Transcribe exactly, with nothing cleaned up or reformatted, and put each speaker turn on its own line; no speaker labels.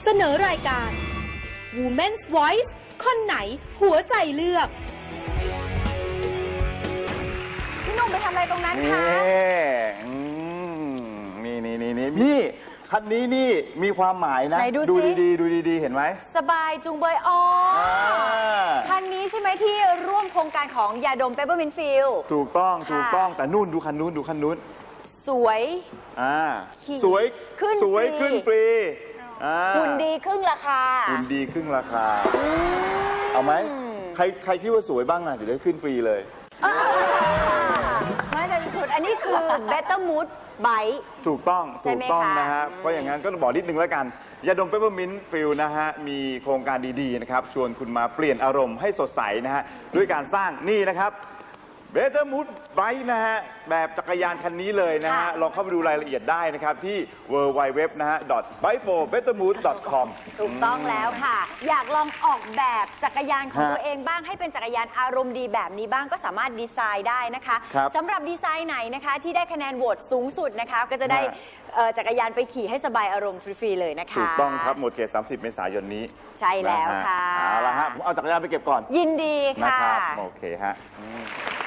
เสนอรายการ Women's Voice คนไหนหัวใจเลือก
พี่หนุ่มไปทำอะไรตรงนั้นคะ
นี่นี่นี่นี่พี่คันนี้นี่มีความหมายนะดูดีๆดูดีๆเห็นไหม
สบายจุงเบยอ๋อคันนี้ใช่ไหมที่ร่วมโครงการของยาดมเปเปอร์มินต์ฟิล
ถูกต้องถูกต้องแต่นู่นดูคันนู้นดูคันนู้น
สวย
อ่าสวย
ขึ้น
สวยขึ้นฟรี
หุ่นดีครึ่งราคา
หุ่นดีครึ่งราคาเอาไหมใครใครคิดว่าสวยบ้างอ่ะจะได้ขึ้นฟรีเลย
ไม่แต่สุดอันนี้คือ Better Mood Bite
ถูกต้องถูกต้องนะฮะเพราะอย่างนั้นก็บอกนิดนึงแล้วกันยาดมเปเปอร์มินต์ฟิลนะฮะมีโครงการดีๆนะครับชวนคุณมาเปลี่ยนอารมณ์ให้สดใสนะฮะด้วยการสร้างนี่นะครับBetter Mood Bike นะฮะแบบจักรยานคันนี้เลยนะฮะลองเข้าไปดูรายละเอียดได้นะครับที่ ดับเบิลยู ดับเบิลยู ดับเบิลยู นะฮะ bike for better mood dot com
ถูกต้องแล้วค่ะอยากลองออกแบบจักรยานของตัวเองบ้างให้เป็นจักรยานอารมณ์ดีแบบนี้บ้างก็สามารถดีไซน์ได้นะคะสำหรับดีไซน์ไหนนะคะที่ได้คะแนนโหวตสูงสุดนะคะก็จะได้จักรยานไปขี่ให้สบายอารมณ์ฟรีๆเลยนะคะ
ถูกต้องครับหมดเขตสามสิบเมษายนนี้
ใช่แล้วค่ะ
เอาละฮะผมเอาจักรยานไปเก็บก่อน
ยินดีค่ะ
นะครับโอเคฮะ